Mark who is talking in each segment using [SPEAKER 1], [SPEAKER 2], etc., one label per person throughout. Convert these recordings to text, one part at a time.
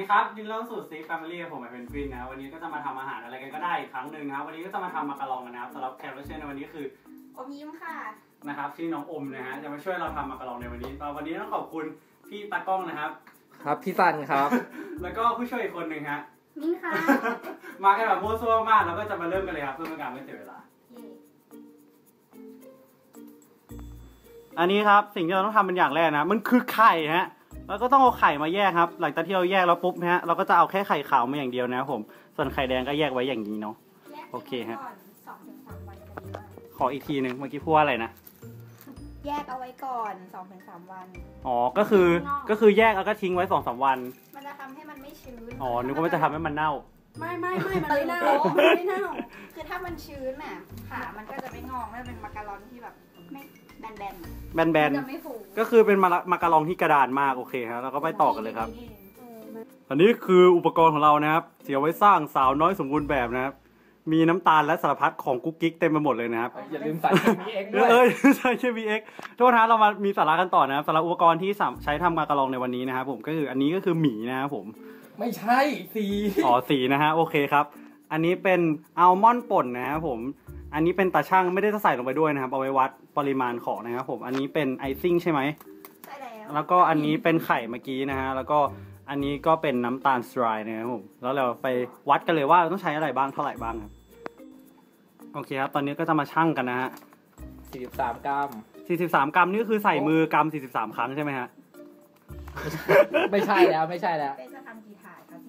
[SPEAKER 1] ครับยินดีต้อนรับสู่ซีแฟมิลี่ผมเป็นฟินนะวันนี้ก็จะมาทำอาหารอะไรกันก็ได้อีกครั้งหนึ่งนะครับวันนี้ก็จะมาทำมักกะลองกันนะครับสำหรับแขกรับเชิญในวันนี้คือ
[SPEAKER 2] อมยิ้มค่ะ
[SPEAKER 1] นะครับที่น้องอมนะฮะจะมาช่วยเราทำมักกะลองในวันนี้ต้องขอบคุณพี่ตากล้องนะครับ
[SPEAKER 3] ครับพี่ซันครับ
[SPEAKER 1] แล้วก็ผู้ช่วยอีกคนหนึ่งฮะ
[SPEAKER 2] มิ้นค่ะ
[SPEAKER 1] มากันแบบโม้ซั่วมากแล้วก็จะมาเริ่มกันเลยครับเพื่อไม่ให้การไม่เสียเวลาอันนี้ครับสิ่งที่เราต้องทำเป็นอย่างแรกนะมันคือไข่ฮะแล้วก็ต้องเอาไข่มาแยกครับหลังจากที่เราแยกแล้วปุ๊บฮะเราก็จะเอาแค่ไข่ขาวมาอย่างเดียวนะครับผมส่วนไข่แดงก็แยกไว้อย่างนี้เนาะโอเคฮะขออีกทีหนึ่งเมื่อกี้พูดว่าอะไรนะ
[SPEAKER 2] แยกเอาไว้ก่อน 2-3 วัน
[SPEAKER 1] อ๋อก็คือแยกแล้วก็ทิ้งไว้ 2-3 วัน
[SPEAKER 2] มันจะทำให้มันไม่ชื้น
[SPEAKER 1] อ๋อนึกว่ามันจะทำให้มันเน่า
[SPEAKER 2] ไม่มันไม่เน่าไม่เน่าคือถ้ามันชื้นน่ะขามันก็จะไม่งอกไม่เป็นมักกะลอนที่แบบไม่แบน
[SPEAKER 1] ก็คือเป็นมักกะลองที่กระดานมากโอเคครับเราก็ไปต่อกันเลยครับอันนี้คืออุปกรณ์ของเรานะครับเสียไว้สร้างสาวน้อยสมบูรณ์แบบนะครับมีน้ำตาลและสารพัดของกุ๊กกิ๊กเต็มไปหมดเลยนะครับ
[SPEAKER 3] อย่าลืมใส่เคมีเอ็กด้วย
[SPEAKER 1] ใส่เคมีเอ็กทุกท่านเรามามีสาระกันต่อนะครับสำหรับอุปกรณ์ที่ใช้ทำมักกะลองในวันนี้นะครับผมก็คืออันนี้ก็คือหมี่นะครับผม
[SPEAKER 3] ไม่ใช่สี
[SPEAKER 1] สีนะฮะโอเคครับอันนี้เป็นอัลมอนด์ป่นนะครับผมอันนี้เป็นตาช่างไม่ได้ใส่ลงไปด้วยนะครับเอาไว้วัดปริมาณของนะครับผมอันนี้เป็นไอซิ่งใช่ไหม
[SPEAKER 2] ใช่
[SPEAKER 1] แล้วก็อันนี้เป็นไข่เมื่อกี้นะฮะแล้วก็อันนี้ก็เป็นน้ำตาลทรายนะครับผมแล้วเราไปวัดกันเลยว่าเราต้องใช้อะไรบ้างเท่าไหร่บ้างครับโอเคครับตอนนี้ก็จะมาชั่งกันนะฮะ
[SPEAKER 3] 43 กรัม
[SPEAKER 1] 43 กรัมนี่คือใส่มือกรัม43 ครั้งใช่ไหมฮะ
[SPEAKER 3] ไม่ใช่แล้ว
[SPEAKER 2] เป็นจะทำกี่ถาดครับ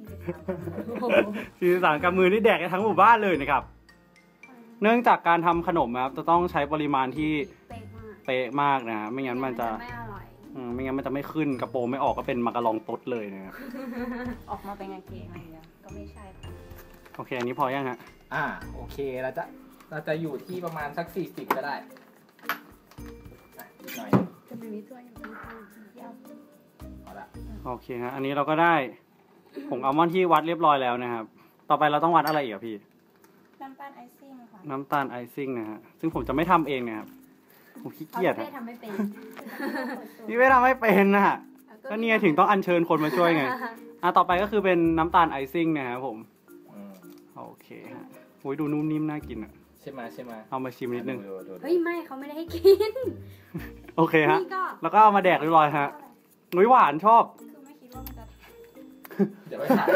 [SPEAKER 1] 43 กรัมมือนี่แดกกันทั้งหมู่บ้านเลยนะครับเนื่องจากการทำขนมครับจะต้องใช้ปริมาณที่เป๊ะมากนะไม่งั้นมันจะ
[SPEAKER 2] ไม่อร่อย
[SPEAKER 1] ไม่งั้นมันจะไม่ขึ้นกระโปรงไม่ออกก็เป็นมักกะลองต๊ดเลยนะครับ
[SPEAKER 2] ออกมาเป็นกางเกงอะไรอย่างเงี้ยก็ไม่ใช่
[SPEAKER 1] โอเคอันนี้พอยังฮะ
[SPEAKER 3] โอเคเราจะอยู่ที่ประมาณสัก40ก็ได้หน่อย
[SPEAKER 2] จะเป็นนิดด้วย
[SPEAKER 3] เอาละ
[SPEAKER 1] โอเคฮะอันนี้เราก็ได้ผงอัลมอนด์ที่วัดเรียบร้อยแล้วนะครับต่อไปเราต้องวัดอะไรอีกพี่
[SPEAKER 2] น้ำตาลไอซิ่งค่ะ
[SPEAKER 1] น้ำตาลไอซิ่งนะฮะซึ่งผมจะไม่ทำเองนะครับผมขี้เกียจ
[SPEAKER 2] พี่ทำไม่เป็น
[SPEAKER 1] พี่ไม่ทำไม่เป็นนะฮะก็เนี่ยถึงต้องอัญเชิญคนมาช่วยไงต่อไปก็คือเป็นน้ำตาลไอซิ่งนะครับผมโอเคฮะโอ้ยดูนุ่มนิ่มน่ากินอ่ะ
[SPEAKER 3] ใช่ไหม
[SPEAKER 1] เอามาชิมนิดนึง
[SPEAKER 2] เฮ้ยไม่เขาไม่ได้ให้กิน
[SPEAKER 1] โอเคฮะแล้วก็เอามาแดกเรียบร้อยฮะนุ้ยหวานชอบ
[SPEAKER 2] คือไม่คิดว่ามันจะ
[SPEAKER 3] เดี๋ยวไปถ่าย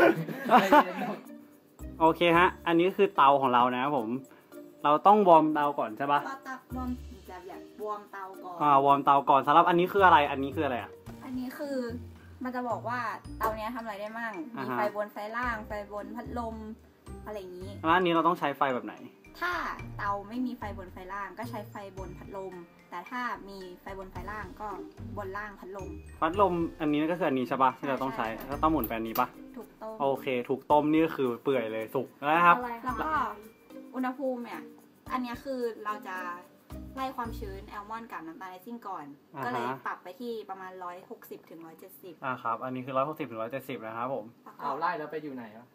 [SPEAKER 1] โอเคฮะอันนี้คือเตาของเรานะครับผมเราต้องวอร์มเตาก่อนใช่ปะ
[SPEAKER 2] วอร์มเตาก่อน
[SPEAKER 1] วอร์มเตาก่อนสำหรับอันนี้คืออะไรอันนี้คืออะไร
[SPEAKER 2] อันนี้คือมันจะบอกว่าเตาเนี้ยทำอะไรได้มั่งมีไฟบนไฟล่างไฟบนพัดลมอะไรอย่างนี้
[SPEAKER 1] แล้วอันนี้เราต้องใช้ไฟแบบไหน
[SPEAKER 2] ถ้าเตาไม่มีไฟบนไฟล่างก็ใช้ไฟบนพัดลมแต่ถ้ามีไฟบนไฟล่างก็บนล่างพัดลม
[SPEAKER 1] อันนี้ก็คืออันนี้ใช่ปะที่เราต้องใช้แล้วต้องหมุนแปนนี้ปะ
[SPEAKER 2] ถูกต้ม
[SPEAKER 1] โอเคถูกต้มนี่ก็คือเปื่อยเลยสุกแล้วครับ
[SPEAKER 2] แล้วก็อุณหภูมิเนี่ยอันนี้คือเราจะไล่ความชื้นแอลมอนด์กับน้ำตาลไอซิ่งก่อนก็เลยปรับไปที่ประมาณ160 ถึง 170
[SPEAKER 1] ครับอันนี้คือ160 ถึง 170นะครับผม
[SPEAKER 3] เอาไล่แล้วไปอยู่ไหนอ่ะ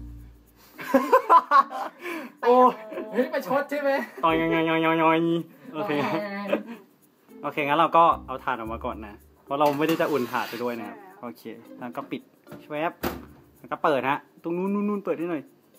[SPEAKER 1] โอ้
[SPEAKER 3] ยไปชดใช่ไหม
[SPEAKER 1] ต่อยโอเคงั้นเราก็เอาถ่านออกมาก่อนนะเพราะเราไม่ได้จะอุ่นถ่านไปด้วยนะครับโอเคแล้วก็ปิดแวบแล้วก็เปิดฮะตรงนู้นเปิดให้หน่อย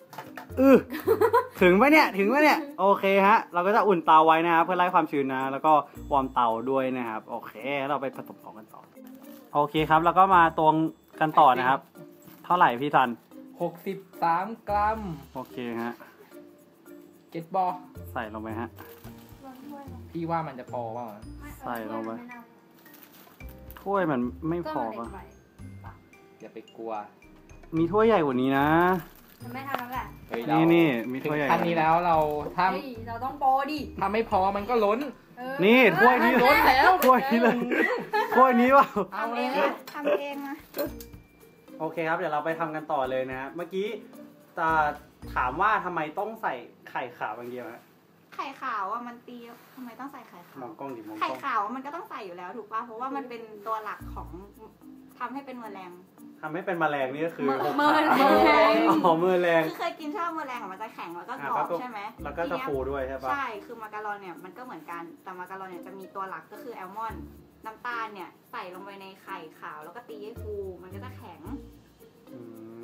[SPEAKER 1] ถึงไหมเนี่ยโอเคฮะเราก็จะอุ่นเตาไว้นะครับเพื่อไล่ความชื้นนะแล้วก็วอร์มเตาด้วยนะครับโอเคเราไปผสมของกันต่อโอเคครับแล้วก็มาตวงกันต่อนะครับเท่าไหร่พี่ทัน
[SPEAKER 3] 63 กรัม
[SPEAKER 1] โอเคฮะ
[SPEAKER 3] เก็ตบอล
[SPEAKER 1] ใส่ลงไปฮะ
[SPEAKER 3] พี่ว่ามันจะพอป่ะ
[SPEAKER 1] ใส่ลงไปถ้วยมันไม่พอป่ะ
[SPEAKER 3] อย่าไปกลัว
[SPEAKER 1] มีถ้วยใหญ่กว่านี้นะ
[SPEAKER 2] ไม่ทำแล้วแหละ
[SPEAKER 1] นี่มีถ้วยใหญ่
[SPEAKER 3] อันนี้แล้วเรา
[SPEAKER 2] ต้องโปรดิ
[SPEAKER 3] ถ้าไม่พอมันก็ล้น
[SPEAKER 1] นี่ถ้วยนี้
[SPEAKER 3] ล้นแล้ว
[SPEAKER 1] ถ้วยนี้เลยถ้วยนี้เปล่า
[SPEAKER 2] ทำเองนะ
[SPEAKER 1] โอเคครับเดี๋ยวเราไปทำกันต่อเลยนะฮะเมื่อกี้จะถามว่าทำไมต้องใส่ไข่ขาวอย่างเดียวฮะ
[SPEAKER 2] ไข่ขาวอ่ะมันตีทำไมต้องใส่ไข่ขาว
[SPEAKER 1] มองกล้องดิมองกล้อง
[SPEAKER 2] ไข่ขาวมันก็ต้องใส่อยู่แล้วถูกป่ะเพราะว่ามันเป็นตัวหลักของทำให้เป็นแมลง
[SPEAKER 1] นี่ก็คือ
[SPEAKER 2] แมลง
[SPEAKER 1] แมลง
[SPEAKER 2] คือเคยกินชอบแมลงมันจะแข็งแล้วก็กรอบใช่ไหม
[SPEAKER 1] แล้วก็จะฟูด้วยใช่ปะ
[SPEAKER 2] ใช่คือมักกะลอนเนี่ยมันก็เหมือนกันแต่มักกะลอนเนี่ยจะมีตัวหลักก็คือแอลมอนด์น้ำตาลเนี่ยใส่ลงไปในไข่ขาวแล้วก็ตีให้ฟูมันก็จะแข็ง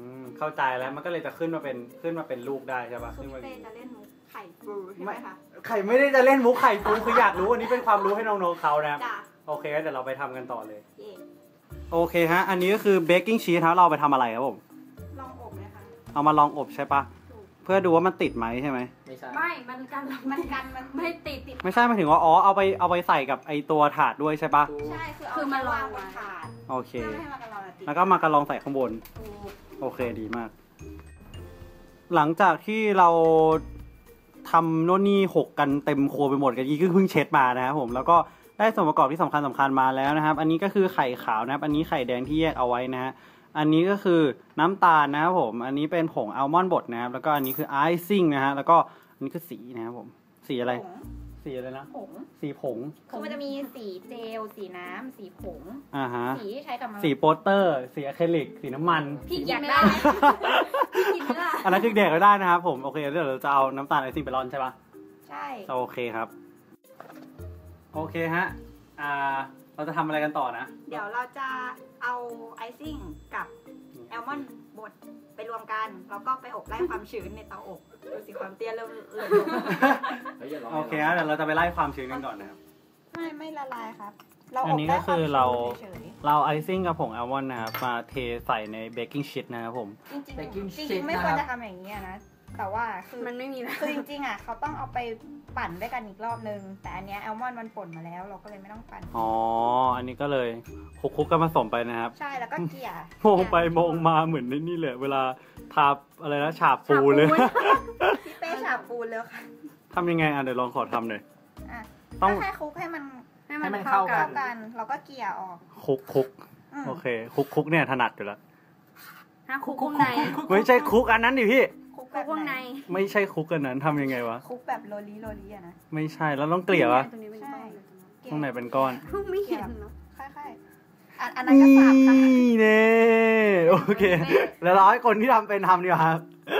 [SPEAKER 1] เข้าใจแล้วมันก็เลยจะขึ้นมาเป็นลูกได้ใช่ปะ
[SPEAKER 2] คือพี่เป้จะเล่นมุกไข่ฟูใช่ไหมคะ
[SPEAKER 1] ไข่ไม่ได้จะเล่นมุกไข่ปูคืออยากรู้อันนี้เป็นความรู้ให้น้องๆเขานะครับ
[SPEAKER 2] จ้ะ
[SPEAKER 1] โอเคเดี๋ยวเราไปทำกันต่อเลย
[SPEAKER 2] เย่
[SPEAKER 1] โอเคฮะอันนี้ก็คือเบกกิ้งชีสครับเราเอาไปทำอะไรครับผม
[SPEAKER 2] ลองอบเลยค่ะ
[SPEAKER 1] เอามาลองอบใช่ปะ
[SPEAKER 2] ถูก
[SPEAKER 1] เพื่อดูว่ามันติดไหมใช่ไหม
[SPEAKER 3] ไม่ใช่
[SPEAKER 4] ไม่ มันกัน
[SPEAKER 2] มันไม่ติด
[SPEAKER 1] ไม่ใช่หมายถึงว่าอ๋อเอาไปใส่กับไอตัวถาดด้วยใช่ปะ
[SPEAKER 2] ใช่คือ
[SPEAKER 4] คือ
[SPEAKER 2] เอา
[SPEAKER 4] มา
[SPEAKER 2] มา
[SPEAKER 4] ล
[SPEAKER 2] วา
[SPEAKER 4] อง ง
[SPEAKER 2] บนถาด
[SPEAKER 1] โอเค
[SPEAKER 2] เพื่อไม่ให้มันกระลอนติด
[SPEAKER 1] แล้วก็มากระลองใส่ข้างบน
[SPEAKER 2] ถูก
[SPEAKER 1] โอเคดีมาก หลังจากที่เราทำโน่นนี่หกกันเต็มครัวไปหมดกันอีกเพิ่งเช็ดมานะครับผมแล้วก็ได้ส่วนประกอบที่สำคัญมาแล้วนะครับ อันนี้ก็คือไข่ขาวนะครับ อันนี้ไข่แดงที่แยกเอาไว้นะฮะอันนี้ก็คือน้ำตาลนะครับผมอันนี้เป็นผงอัลมอนด์บดนะครับแล้วก็อันนี้คือไอซิ่งนะฮะแล้วก็อันนี้คือสีนะครับผมสีอะไร
[SPEAKER 2] ผง
[SPEAKER 1] สีอะไรนะ
[SPEAKER 2] ผง
[SPEAKER 1] สีผง
[SPEAKER 2] คือมันจะมีสีเจล สีน้ำ สีผง
[SPEAKER 1] อ่าฮะ
[SPEAKER 2] สีที่ใช้กับมัน
[SPEAKER 1] สีโปสเตอร์ สีอะคริลิกสีน้ำมัน
[SPEAKER 4] พี่
[SPEAKER 2] อ
[SPEAKER 4] กิ
[SPEAKER 2] ยาน ก
[SPEAKER 4] ไม่
[SPEAKER 2] ได้
[SPEAKER 4] ได้พี่กินไม่ได้
[SPEAKER 1] อันนั้นคือเด็กก็ได้นะครับผมโอเคเดี๋ยวเราจะเอาน้ำตาลไอซิ่งไปร่อนใช่ปะ
[SPEAKER 2] ใช่
[SPEAKER 1] โอเคครับ โอเคฮะเราจะทำอะไรกันต่อนะ
[SPEAKER 2] เดี๋ยวเราจะเอาไอซิ่งกับแอลมอนด์บดไปรวมกัน แล้วก็ไปอบไล่ความชื้นในเตาอบดูสิความเตี้ยเริ่มเลื่อนลง
[SPEAKER 1] โอเคฮะเดี๋ยวเราจะไปไล่ความชื้นกันก่อนนะครับ
[SPEAKER 2] ไม่ละลายครับ เรา
[SPEAKER 1] อั
[SPEAKER 2] อน บ
[SPEAKER 1] นี้
[SPEAKER 2] ได้
[SPEAKER 1] ก็
[SPEAKER 2] ควา
[SPEAKER 1] คื
[SPEAKER 2] ม
[SPEAKER 1] อ
[SPEAKER 2] ชื้น
[SPEAKER 1] เรา
[SPEAKER 2] เฉย
[SPEAKER 1] เราไอซิ่งกับผงอัลมอนด์นะครับมาเทใส่ในเบกกิ้งชีตนะครับผม
[SPEAKER 2] ๆจริง
[SPEAKER 3] Baking
[SPEAKER 2] ๆจริ
[SPEAKER 3] sheet
[SPEAKER 2] งๆไม่ควรจะทำอย่างนี้อะนะ แต่ว่าคือ
[SPEAKER 4] มันไม่มีนะ
[SPEAKER 2] คือจริงๆอ่ะเขาต้องเอาไปปั่นด้วยกันอีกรอบนึง แต่อันเนี้ยแอลมอนด์มันป่นมาแล้ว เราก็เลยไม่ต้องปั่น
[SPEAKER 1] อ๋ออันนี้ก็เลยคลุกๆกันผสมไปนะครับ
[SPEAKER 2] ใช่แล้วก็เกลี่ย
[SPEAKER 1] มองไปมองมาเหมือนในนี่เลยเวลาทาอะไรนะฉาบปูเลย
[SPEAKER 2] พี่เป้ฉาบปูนเลยค่ะ
[SPEAKER 1] ทำยังไงเดี๋ยวลองขอทำหน่อย
[SPEAKER 2] อ่ะ
[SPEAKER 1] ต้อง
[SPEAKER 2] ก็แค่คลุกให้มัน
[SPEAKER 3] ให้มันเข้ากั
[SPEAKER 2] เข้าน กัน เราก็เกลี่ยออก
[SPEAKER 1] คุก
[SPEAKER 2] อืม
[SPEAKER 1] โอเคคุกเนี่ยถนัดอยู่แล้ว
[SPEAKER 4] ฮะคุกวงใน
[SPEAKER 1] ไม่ใช่คุกอันนั้นดิพี่
[SPEAKER 2] คลุกแบ
[SPEAKER 4] คุ
[SPEAKER 2] บ
[SPEAKER 4] กวง
[SPEAKER 2] ไห
[SPEAKER 4] ใน
[SPEAKER 2] น
[SPEAKER 1] ไม่ใช่คุกอันนั้นทำยังไงวะ
[SPEAKER 2] คลุกแบบโรลีอะนะ
[SPEAKER 1] ไม่ใช่แล้วต้องเกลี่ยวะ
[SPEAKER 4] ตรงนี้เป็นก้อนเลย
[SPEAKER 2] เกลี่ย
[SPEAKER 1] ตรงไหนเป็นก้อน
[SPEAKER 4] ไม่เห็นเนาะ
[SPEAKER 2] ค่อยๆอันนั้นก็สาบค่ะ
[SPEAKER 1] นี่เน่โอเค แล้วเราให้คนที่ทำเป็นทำดีกว่าครับ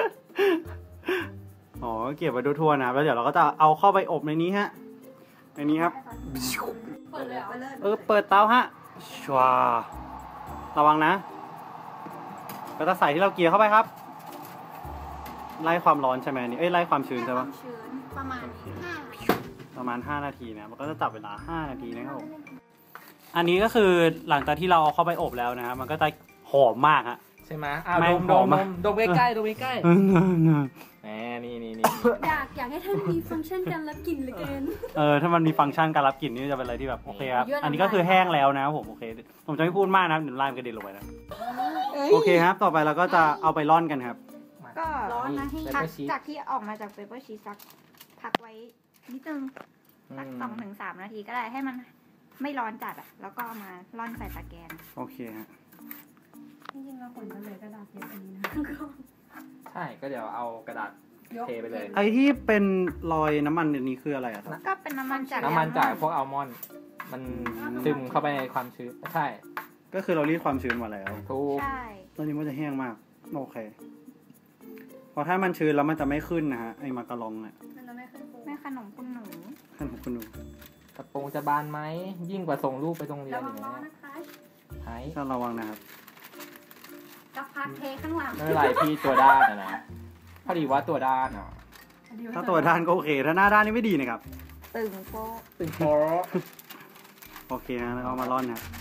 [SPEAKER 1] อ๋อเก็บไว้ทั่วๆนะครับแล้วเดี๋ยวเราก็จะเอาเข้าไปอบในนี้ฮะในนี้ครับ
[SPEAKER 4] เปิดเลยเหรอ
[SPEAKER 2] ไปเลย
[SPEAKER 1] เปิดเตาฮะชวาระวังนะก็จะใส่ที่เราเกลี่ยเข้าไปครับ ไล่ความร้อนใช่ไหมอันนี่ไล่ความชื้นใช่ปะ
[SPEAKER 2] ความชื้นประมาณ
[SPEAKER 1] ประมาณ5นาทีนะมันก็จะจับเวลา5นาทีนะครับผมอันนี้ก็คือหลังจากที่เราเอาเข้าไปอบแล้วนะครับมันก็จะหอมมากฮะ
[SPEAKER 3] ใช่ไหม
[SPEAKER 1] ไม่
[SPEAKER 3] ดม
[SPEAKER 1] หอมอะ
[SPEAKER 3] ดมใกล้ๆดมใกล้ๆแหมนี่
[SPEAKER 4] อยากให้ท่านมีฟังก์ชันการรับกลิ่นเหลือเกิน
[SPEAKER 1] ถ้ามันมีฟังก์ชันการรับกลิ่นนี่จะเป็นอะไรที่แบบโอเคครับ
[SPEAKER 4] ยั่วน้ำลาย
[SPEAKER 1] อันนี้ก็คือแห้งแล้วนะครับผมโอเคผมจะไม่พูดมากนะครับเดี๋ยวลายมันกระเด็นลงไปนะโอเคครับต่อไปเราก็จะเอาไปร่อนกันครับ
[SPEAKER 2] ก็
[SPEAKER 4] ร้อนนะ
[SPEAKER 3] นี่
[SPEAKER 2] พัก
[SPEAKER 3] pepper sheet
[SPEAKER 2] จากที่ออกมาจากเปเปอร์ชีสสักพักไว้นิดนึงสัก2-3 นาทีก็ได้ให้มันไม่ร้อนจัดอ่ะ แล้วก็เอามาร่อนใส่ตะแกรง
[SPEAKER 1] โอเคฮะ
[SPEAKER 4] จริงๆเราควรจะเลยกระดาษเยอะอันนี้นะ
[SPEAKER 3] ใช่ก็เดี๋ยวเอากระดาษเทไปเลย
[SPEAKER 1] ไอที่เป็นรอยน้ำมันอันนี้คืออะไรอะครับ
[SPEAKER 2] ก็เป็นน้ำมันจาก
[SPEAKER 3] น้ำมันจากพวกอัลมอนด์มันซึมเข้าไปในความชื้นใช่
[SPEAKER 1] ก็คือเรารีดความชื้นมาแล้ว
[SPEAKER 3] ถูก
[SPEAKER 2] ใช่
[SPEAKER 1] ตอนนี้มันจะแห้งมากโอเคพอถ้ามันชื้นแล้วมันจะไม่ขึ้นนะฮะไอมาการองเนี่ย
[SPEAKER 4] มันจะไม่ขึ้นฟู
[SPEAKER 2] แม่ขนมคุณหนู
[SPEAKER 1] ท่านของคุณดู
[SPEAKER 3] กระโปรงจะบานไหมยิ่งกว่าส่งลูกไปโรงเรียน
[SPEAKER 4] ระ
[SPEAKER 3] อ
[SPEAKER 4] วัง
[SPEAKER 3] ย่าง
[SPEAKER 4] ร้อ
[SPEAKER 3] เงี้
[SPEAKER 4] น
[SPEAKER 3] ย
[SPEAKER 4] นะคะ
[SPEAKER 3] หาย
[SPEAKER 1] ก็ระวังนะครับ
[SPEAKER 4] กับพักเทข้างหลัง
[SPEAKER 3] ไม่เป็นไรพี่ตัวด้านนะพอดีว่าตัวด้านอ่ะ
[SPEAKER 1] ถ้าตัวด้านก็โอเค ถ้าหน้าด้านนี่ไม่ดีนะครับ
[SPEAKER 2] ตึงโป๊ะ
[SPEAKER 3] ตึงโพ
[SPEAKER 1] โอเคฮะแล้วก็เอามาร่อนนะครับ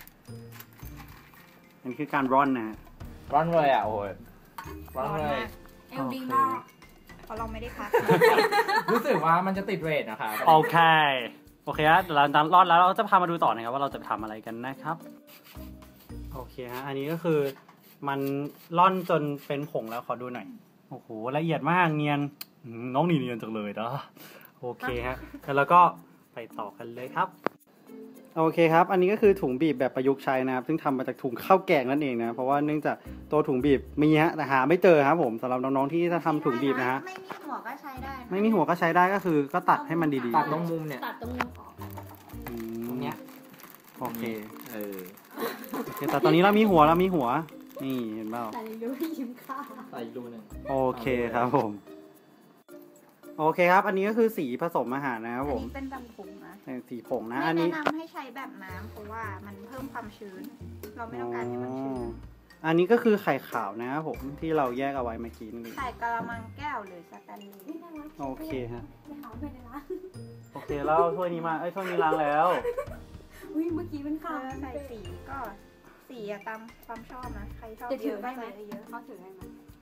[SPEAKER 1] อันนี้คือการร่อนนะฮะ
[SPEAKER 3] ร้อนเลยอ่ะโอ้ยร้อนเลย
[SPEAKER 4] เอลดีมาก
[SPEAKER 2] เพราะเราไม่ได้พัก
[SPEAKER 3] รู้สึกว่ามันจะติดเรทนะคะ
[SPEAKER 1] โอเคโอเคฮะเดี๋ยวเราจะร่อนแล้วเราจะพามาดูต่อนะครับว่าเราจะทำอะไรกันนะครับโอเคฮะอันนี้ก็คือมันร่อนจนเป็นผงแล้วขอดูหน่อยโอ้โหละเอียดมากเนียนน้องนี่เนียนจังเลยนะโอเคฮะแล้วก็ไปต่อกันเลยครับโอเคครับอันนี้ก็คือถุงบีบแบบประยุกต์ใช้นะครับซึ่งทำมาจากถุงข้าวแกงนั่นเองนะเพราะว่าเนื่องจากตัวถุงบีบมีฮะแต่หาไม่เจอครับผมสำหรับน้องๆที่จะทำถุงบีบนะฮะ
[SPEAKER 2] ไม่มีหัวก็ใช้ได้นะ
[SPEAKER 1] ไม่มีหัวก็ใช้ได้ก็คือก็ตัดให้มันดี
[SPEAKER 3] ตัดตรงมุมเนี่ย
[SPEAKER 4] ตัดตรงนี้ออก
[SPEAKER 1] ๆอืม
[SPEAKER 3] ตรงเนี้ย
[SPEAKER 1] โอเค
[SPEAKER 3] เออ
[SPEAKER 1] โอเคแต่ตอนนี้เรามีหัวนี่เห็นเปล่า
[SPEAKER 4] แต่รู้ยิ้มค่า
[SPEAKER 3] ใส่ดูหนึ่ง
[SPEAKER 1] โอเคครับผมโอเคครับ อันนี้ก็คือสีผสมอาหารนะครับ
[SPEAKER 2] อัน
[SPEAKER 1] ผม
[SPEAKER 2] นี้เป็นแบบผงนะ
[SPEAKER 1] สีผงนะ
[SPEAKER 2] ไม่
[SPEAKER 1] อันนี้
[SPEAKER 2] แนะนำให้ใช้แบบน้ำเพราะว่ามันเพิ่มความชื้น เราไม่ต้องการให้มันชื้น
[SPEAKER 1] อันนี้ก็คือไข่ขาวนะครับผมที่เราแยกเอาไว้เมื่อกี้นี่
[SPEAKER 2] ใส่กะละมังแก้วหรือสแตนเลส
[SPEAKER 4] ไม่ได้วะ
[SPEAKER 1] โอเคฮะ
[SPEAKER 4] ไปหาไปเลยนะ
[SPEAKER 1] โอเคแล้วถ้วยนี้มาถ้วยนี้ล้างแล้ว
[SPEAKER 4] อุ้ยเมื่อกี้เป็นข่าว
[SPEAKER 2] ใส่สีก็สีอะตามความชอบนะใครชอบ
[SPEAKER 4] จะถือได้ไหม
[SPEAKER 2] ใส่เยอะ
[SPEAKER 4] เขาถือได้ไหม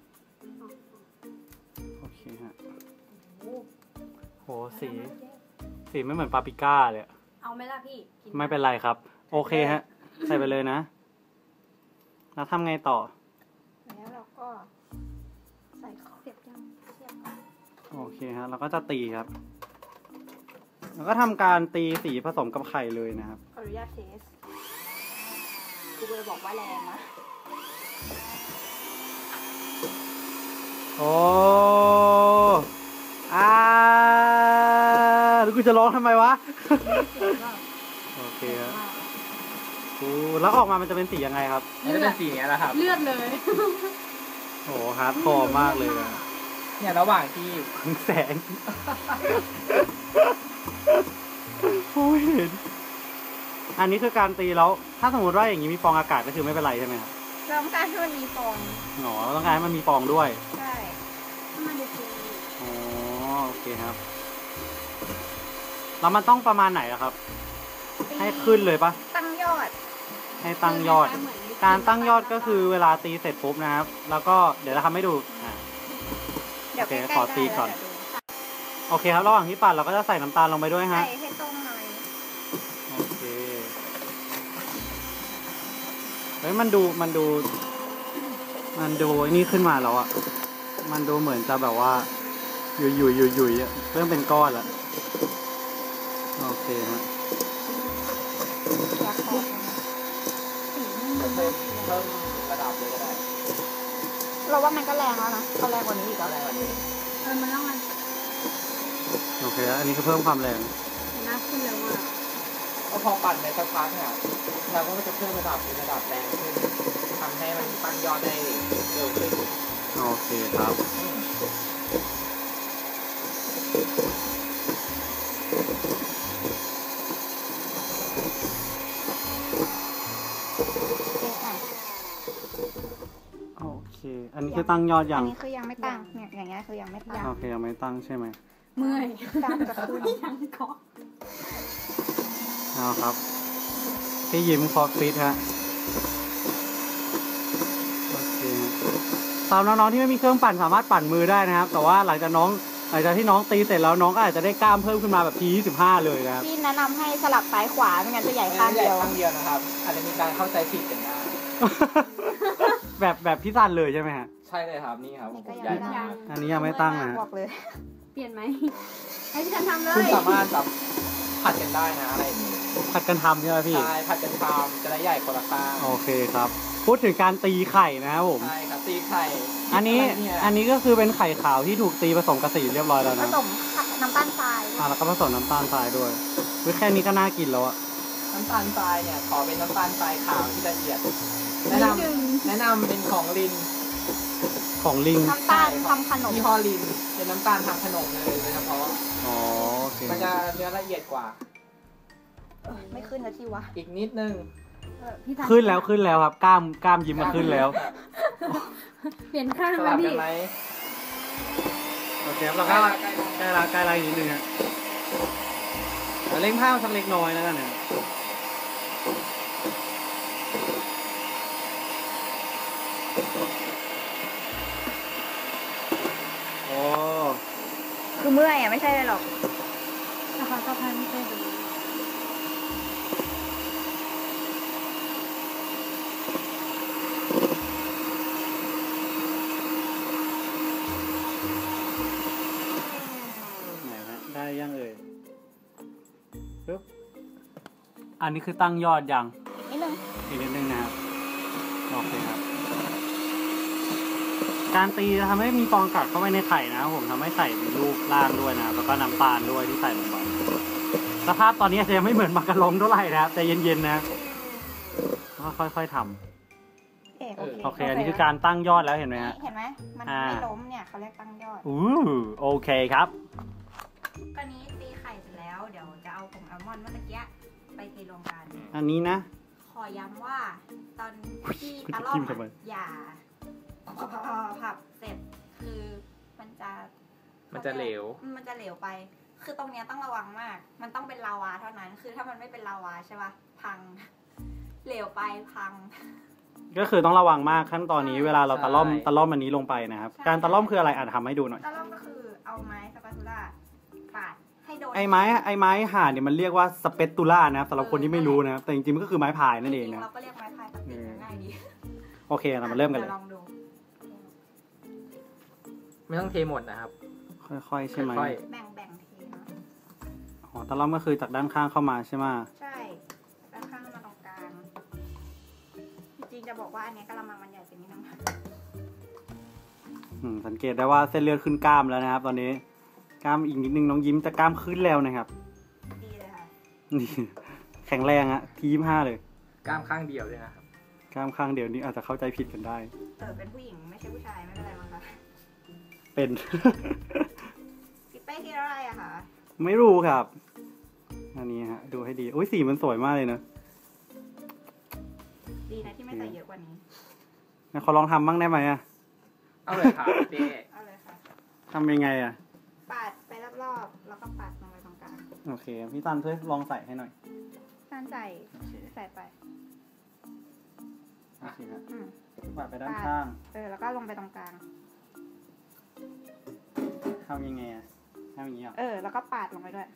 [SPEAKER 1] โอเคฮะ
[SPEAKER 4] โอ้
[SPEAKER 1] โหสีไม่เหมือนปาปริก้าเลยอะ
[SPEAKER 4] เอาไหมล่ะพี่กิน
[SPEAKER 1] ไม่เป็นไรครับ โอเคฮะ ใส่ไปเลยนะแล้วทำไงต่อ
[SPEAKER 2] แล้วเราก็ใส่ของเสียบยังเสียบก่อน
[SPEAKER 1] โอเคฮะเราก็จะตีครับ แล้วก็ทำการตีสีผสมกับไข่เลยนะครับ
[SPEAKER 2] ขออนุญาตเทสกูเลยบอกว่าแรงนะ
[SPEAKER 1] โอ้แล้วกูจะร้องทำไมวะ โอเคครับแล้วออกมามันจะเป็นสียังไงครับ
[SPEAKER 3] มันจะเป็นสีเนี้ยแหละครับ
[SPEAKER 4] เลือดเลย
[SPEAKER 1] โอ้ฮาร์ดคอร์มากเลยอะ
[SPEAKER 3] เนี่ยระหว่างที่
[SPEAKER 1] แสงโอ้ยเห็นอันนี้คือการตีแล้ว ถ้าสมมติว่าอย่างนี้มีฟองอากาศก็คือไม่เป็นไรใช่ไหมครับ
[SPEAKER 2] เราต้องการให้มันมีฟอง
[SPEAKER 1] อ๋อต้องการให้มันมีฟองด้วย
[SPEAKER 2] ใช่
[SPEAKER 4] ถ้ามันดูดี
[SPEAKER 1] อ๋อโอเคครับ แล้วมันต้องประมาณไหนอะครับ ให้ขึ้นเลยปะ
[SPEAKER 2] ตั้งยอด
[SPEAKER 1] ให้ตั้งยอด การตั้งยอดก็คือเวลาตีเสร็จปุ๊บนะครับ แล้วก็เดี๋ยวเราทำให้ดู
[SPEAKER 2] เดี๋ยว
[SPEAKER 1] โอเค
[SPEAKER 2] ใกล้ๆ
[SPEAKER 1] ขอตีก่อน
[SPEAKER 2] ได้แล้วเดี๋ยวดู
[SPEAKER 1] โอเคครับระหว่างที่ปั่นเราก็จะใส่น้ำตาลลงไปด้วยฮะ
[SPEAKER 2] ใส่ให้ตรงหน่อย
[SPEAKER 1] โอเคเฮ้ยมันดูไอ้นี่ขึ้นมาแล้วอะมันดูเหมือนจะแบบว่าหยุยอะเริ่มเป็นก้อนแล้วโอเคฮะ
[SPEAKER 2] อยากขอสีมัน
[SPEAKER 3] เพิ่มระดับเลยก็ได้
[SPEAKER 2] เราว่ามันก็แรงแล้วนะเอาแรงกว่านี้อีก
[SPEAKER 3] ก็
[SPEAKER 2] แล้ว
[SPEAKER 3] ได้วันนี้
[SPEAKER 4] มันต้องมัน
[SPEAKER 1] โอเคอันนี้ก็เพิ่มความแรง
[SPEAKER 4] น่าขึ้นเลยว่า
[SPEAKER 3] ก็พอปั่นไปสักพักเนี่ยเราก็จะเพิ่มระดับเป็นระดับแรงขึ้นทำให้มันตั้งยอดได้เร็วขึ้น
[SPEAKER 1] โอเคครับ โอเค อันนี้คือตั้งยอดยั
[SPEAKER 2] อั
[SPEAKER 1] ง
[SPEAKER 2] นนี้คือยังไม่ตั้งเนี่ยอย่างเงี้ยคือยังไม่ตั้ง
[SPEAKER 1] โอเคยังไม่ตั้งใช่ไหม
[SPEAKER 4] เมื่อย
[SPEAKER 2] ตั้งจะขึ้น
[SPEAKER 4] ยังเกาะ
[SPEAKER 1] เอาครับพี่ยิ้มคอฟิตฮะโอเคฮะสำหรับน้องๆที่ไม่มีเครื่องปั่นสามารถปั่นมือได้นะครับ แต่ว่าหลังจากที่น้องตีเสร็จแล้วน้องก็อาจจะได้กล้ามเพิ่มขึ้นมาแบบที25เลยนะครับ
[SPEAKER 2] พี่แนะนำให้สลับซ้ายขวาไม่งั้นจะใหญ่ข้างเดียว
[SPEAKER 3] ข้างเดียวนะครับ อาจจะมีการเข้าใจผิดกันได้
[SPEAKER 1] แบบพี่ซันเลยใช่ไหมฮะ
[SPEAKER 3] ใช่เลยครับนี่ครับผม
[SPEAKER 2] ก็
[SPEAKER 3] ใหญ่
[SPEAKER 2] ยังไม่
[SPEAKER 3] มาก
[SPEAKER 1] อันนี้ยังไม่ตั้งนะฮะ
[SPEAKER 2] บอกเลย
[SPEAKER 4] เปลี่ยนไหมให้พี่ทันทำเล
[SPEAKER 3] คุณ
[SPEAKER 4] ย
[SPEAKER 3] สามารถแบบผัดกันได้นะอะไรอย่างนี้
[SPEAKER 1] ผัดกันทำใช่ไหมพี่
[SPEAKER 3] ใช่ผัดกันทำจะได้ใหญ่คนละข้าง
[SPEAKER 1] โอเคครับ พูดถึงการตีไข่นะครับผม
[SPEAKER 3] ใช่ครับตีไข่
[SPEAKER 1] อันนี้
[SPEAKER 3] เนี่ย
[SPEAKER 1] อันนี้ก็คือเป็นไข่ขาวที่ถูกตีผสมกับสีเรียบร้อยแล้ว
[SPEAKER 2] ผ
[SPEAKER 1] นะ
[SPEAKER 2] สมน้ำตาลทราย
[SPEAKER 1] แล้วก็ผสมน้ำตาลทรายด้วยเว้ยแค่นี้ก็น่ากินแล้วอะ
[SPEAKER 3] น้ำตาลทรายเนี่ยขอเป็นน้ำตาลทรายขาวที่ละเอียด แนะนำเป็นของลิน
[SPEAKER 1] ของลิง
[SPEAKER 2] น้ำตาลทำขนม
[SPEAKER 3] ยี่ห้อลินเป็นน้ำตาลทำขนมเลยโดยเฉพาะ
[SPEAKER 1] อ๋อโอเค
[SPEAKER 3] มันจะเนื้อละเอียดกว่า
[SPEAKER 2] ไม่ขึ้นแล้วที่วะ
[SPEAKER 3] อีกนิดนึง
[SPEAKER 4] พี่ทัน
[SPEAKER 1] ขึ้นแล้วครับกล้ามยิ้มมาขึ้นแล้ว
[SPEAKER 4] เปลี่ยนข้าง
[SPEAKER 3] ส
[SPEAKER 4] ไหม
[SPEAKER 3] ลับกั
[SPEAKER 4] พี่
[SPEAKER 3] นไหม
[SPEAKER 1] โอเคครับเราก็ใกล้นิดนึงฮะเร่งผ้าสักเล็กน้อยแล้วกันนะโอ้
[SPEAKER 2] คือเมื่อยอ่ะไม่ใช่เลยหรอก
[SPEAKER 4] นะคะก็พันไม่ใช่แบบนี้
[SPEAKER 1] ไหนฮะได้ยังเอ่ยปึ๊บอันนี้คือตั้งยอดยัง
[SPEAKER 2] นิดนึง
[SPEAKER 1] อีกนิดนึงนะครับโอเคครับ การตีจะทำให้มีฟองอากาศเข้าไปในไข่นะครับผมทำให้ไข่มีรูปร่างด้วยนะครับแล้วก็น้ำตาลด้วยที่ใส่ลงไปสภาพตอนนี้อาจจะยังไม่เหมือนมักกะลองเท่าไหร่นะครับแต่เย็นๆนะค่อยๆทำโอเค อันนี้คือการตั้งยอดแล้วเห็นไหมฮะ
[SPEAKER 2] เห็นไหมมันไม่ล้มเนี่ยเขาเรียกตั้งยอด
[SPEAKER 1] โอเคครับ
[SPEAKER 2] ตอนนี้ตีไข่เสร็จแล้วเดี๋ยวจะเอาผงอัลมอนด์เมื่อกี้ไปเทรวมกัน
[SPEAKER 1] อันนี้นะ ข
[SPEAKER 2] ขอย้ำว่าตอนที่
[SPEAKER 1] คุณ
[SPEAKER 2] ตะ
[SPEAKER 1] จะ
[SPEAKER 2] ล่อ
[SPEAKER 1] จิ้
[SPEAKER 2] ม
[SPEAKER 1] มทำไม
[SPEAKER 2] อย่าผับเสร็จคือมันจะ
[SPEAKER 3] มันจะเหลว
[SPEAKER 2] มันจะเหลวไป คือตรงเนี้ยต้องระวังมาก มันต้องเป็นลาวาเท่านั้น คือถ้ามันไม่เป็นลาวาใช่ปะพัง เหลวไปพัง
[SPEAKER 1] ก็คือต้องระวังมากขั้นตอนนี้
[SPEAKER 2] ใช่
[SPEAKER 1] เวลาเราตะล่อม
[SPEAKER 3] ใช่
[SPEAKER 1] ตะล่อมอันนี้ลงไปนะครับ
[SPEAKER 2] ใช่
[SPEAKER 1] การตะล่อมคืออะไรทำให้ดูหน่อย
[SPEAKER 2] ตะล่อมก็คือเอาไม้สปาตูล่าปาดให้โดน
[SPEAKER 1] ไอ้ไม้ห่านเนี่ยมันเรียกว่าสเปตตูล่านะครับสำหรับคนที่ไม่รู้นะครับแต่จริงๆมันก็คือไม้พายนั่นเอง
[SPEAKER 2] จริ
[SPEAKER 1] นะ
[SPEAKER 2] ๆเราก็เรียกไม้พายปกติง่ายดี
[SPEAKER 1] โอเคเรามาเริ่มกันเลย
[SPEAKER 2] ดี๋วลองดู
[SPEAKER 3] ไม่ต้องเทหมดนะครับ
[SPEAKER 1] ค่อยๆใช่ไหม
[SPEAKER 3] ค่อย
[SPEAKER 2] แบ่งเทนะ
[SPEAKER 1] อ๋อตะล่อมก็คือจากด้านข้างเข้ามาใช่ไหม
[SPEAKER 2] ใช่ด้านข้างมาตรงกลาง จริงๆจะบอกว่าอันเนี้ยกะละมังมันใหญ่ไปนิดนึง
[SPEAKER 1] สังเกตได้ว่าเส้นเลือดขึ้นกล้ามแล้วนะครับ ตอนนี้กล้ามอีกนิดนึงน้องยิ้มจะกล้ามขึ้นแล้วนะครับ
[SPEAKER 2] ดีเลยค่ะ
[SPEAKER 1] นี่แข็งแรงอะที25เลย
[SPEAKER 3] ๆกล้ามข้างเดียวด้วยนะครับ
[SPEAKER 1] กล้ามข้างเดียวนี้อาจจะเข้าใจผิดกันได้
[SPEAKER 2] เป็นผู้หญิงไม่ใช่ผู้ชายไม่เป็นไรมั้งคะ
[SPEAKER 1] เป็น
[SPEAKER 2] พี่เป้ที่อะไรอะคะ
[SPEAKER 1] ไม่รู้ครับ อันนี้ฮะ ดูให้ดีอุ้ยสีมันสวยมากเลยเนอะ
[SPEAKER 2] ดีนะที่ไม่ใส่เยอะกว่านี้
[SPEAKER 1] งั้นขอลองทำบ้างได้ไหมอะ
[SPEAKER 3] เอาเลยครับเจ๊
[SPEAKER 2] เอาเลยค่ะ
[SPEAKER 1] ทำยังไงอะ
[SPEAKER 2] ปาดไปรอบๆ แล้วก็ปาดลงไปตรงกลาง
[SPEAKER 1] โอเค พี่ตันช่วยลองใส่ให้หน่อย
[SPEAKER 2] การใส่ไป
[SPEAKER 1] โอเคครับ
[SPEAKER 2] อืม
[SPEAKER 1] ปาดไปด้านข้าง
[SPEAKER 2] แล้วก็ลงไปตรงกลาง
[SPEAKER 1] ทำยังไงอะทำอย่างนี้เหรอ
[SPEAKER 2] แล้วก็ปาดลงไปด้วย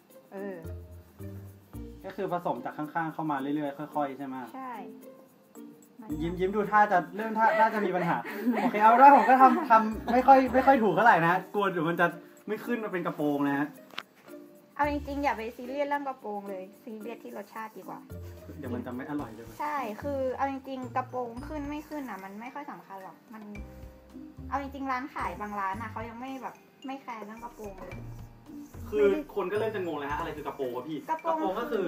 [SPEAKER 1] ก็คือผสมจากข้างๆเข้ามาเรื่อยๆค่อยๆใช่ไหม
[SPEAKER 2] ใช่
[SPEAKER 1] ยิ้มดูท่าจะเริ่มท่าน่าจะมีปัญหา โอเคเอาได้ผมก็ทำไม่ค่อยถูกเท่าไหร่นะกลัวเดี๋ยวมันจะไม่ขึ้นมาเป็นกระโปรงนะฮะ
[SPEAKER 2] เอาจริงๆอย่าไปซีเรียสเรื่องกระโปรงเลย ซีเรียสที่รสชาติดีกว่า
[SPEAKER 1] เดี๋ยวมันจะไม่อร่อยเลย
[SPEAKER 2] ใช่ คือเอาจริงๆกระโปรงขึ้นไม่ขึ้นอ่ะ มันไม่ค่อยสำคัญหรอก มัน เอาจริงๆร้านขายบางร้านอ่ะเขายังไม่แบบไม่แคร์เรื่องกระโปรงเลย
[SPEAKER 1] คือคนก็เริ่มจะงงแล้วฮะอะไรคือกระโปรงวะพี่
[SPEAKER 2] กระโปรง
[SPEAKER 1] ก็คือ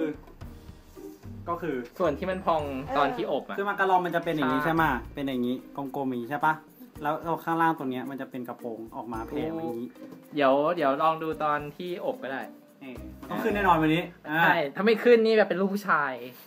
[SPEAKER 3] ส่วนที่มันพองตอนที่อบอ่ะ
[SPEAKER 1] คือมันกระลองมันจะเป็นอย่างนี้
[SPEAKER 3] ใช่
[SPEAKER 1] ใช่ไหมเป็นอย่างนี้กลมๆอย่างนี้ใช่ปะแล้วข้างล่างตัวเนี้ยมันจะเป็นกระโปรงออกมาแผ่มาอย่างนี้
[SPEAKER 3] เดี๋ยวลองดูตอนที่อบก็ได้
[SPEAKER 1] มันต้องขึ้นแน่นอนวันนี้
[SPEAKER 3] ใช่ถ้าไม่ขึ้นนี่แบบเป็นลูกผู้ชาย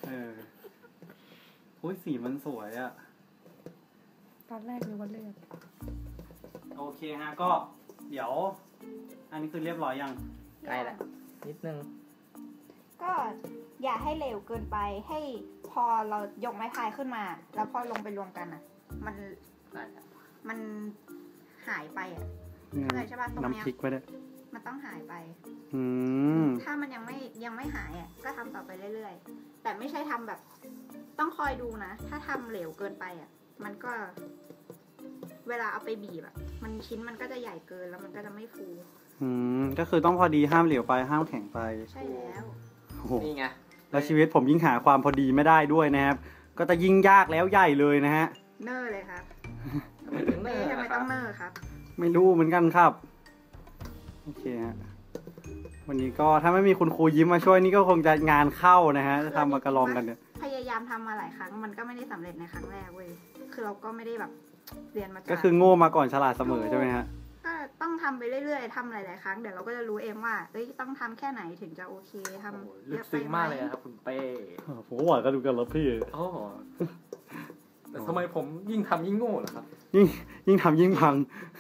[SPEAKER 1] อุ้ยสีมันสวยอะ
[SPEAKER 4] ตอนแรกนึกว่าเลือด
[SPEAKER 1] โอเคฮะก็เดี๋ยว อันนี้คือเรียบร้อยยัง
[SPEAKER 3] ใกล้แล้วนิดนึง
[SPEAKER 2] ก็อย่าให้เหลวเกินไป ให้พอเรายกไม้พายขึ้นมา แล้วพอลงไปรวมกันอ่ะ มันหายไปอ่ะ เข้าใจใช่ปะตรงเนี้ย
[SPEAKER 1] น้ำพริกไปด้วย
[SPEAKER 2] มันต้องหายไป
[SPEAKER 1] อืม
[SPEAKER 2] ถ้ามันยังไม่หายอ่ะ ก็ทำต่อไปเรื่อยๆ แต่ไม่ใช่ทำแบบ ต้องคอยดูนะ ถ้าทำเหลวเกินไปอ่ะ มันก็ เวลาเอาไปบีบอ่ะ มันชิ้นมันก็จะใหญ่เกินแล้วมันก็จะไม่ฟู
[SPEAKER 1] ก็คือต้องพอดีห้ามเหลวไปห้ามแข็งไป
[SPEAKER 2] ใช่แล้ว
[SPEAKER 1] โอ้โห
[SPEAKER 3] นี่ไง
[SPEAKER 1] แล้วชีวิตผมยิ่งหาความพอดีไม่ได้ด้วยนะครับ ก็จะยิ่งยากแล้วใหญ่เลยนะฮะ
[SPEAKER 2] เนอร์เลยครับ
[SPEAKER 3] ไม่ถึงเนอร์
[SPEAKER 2] ทำไม
[SPEAKER 3] นะค
[SPEAKER 2] ต้
[SPEAKER 3] รั
[SPEAKER 2] อบ งเนอร์ครับ
[SPEAKER 1] ไม่รู้เหมือนกันครับ โอเคฮะ วันนี้ก็ถ้าไม่มีคุณครูยิ้มมาช่วยนี่ก็คงจะงานเข้านะฮะจะทำมากระลองกันเนี่ย
[SPEAKER 2] พยายามทำมาหลายครั้ง มันก็ไม่ได้สำเร็จในครั้งแรกเว้ย คือเราก็ไม่ได้แบบเรียนมาจาก
[SPEAKER 1] ก็คือโง่มาก่อนฉลาดเสมอใช่ไหมฮะ
[SPEAKER 2] ก็ต้องทำไปเรื่อยๆทำหลายๆครั้ง เดี๋ยวเราก็จะรู้เองว่า เอ้ย ต้องทำแค่ไหนถึงจะโอเคทำ
[SPEAKER 3] โอ้โห
[SPEAKER 2] เย
[SPEAKER 3] ลึก
[SPEAKER 2] อะไป
[SPEAKER 3] ซึ้ง
[SPEAKER 2] ไหม
[SPEAKER 3] มากเลยนะครับคุณเป้
[SPEAKER 1] ผมก็หวานกันดูกันแล้วพี่
[SPEAKER 3] โอ้โหแต่ทำไมผมยิ่งทำยิ่งโง่เหรอครับ
[SPEAKER 1] ยิ่งทำยิ่งพัง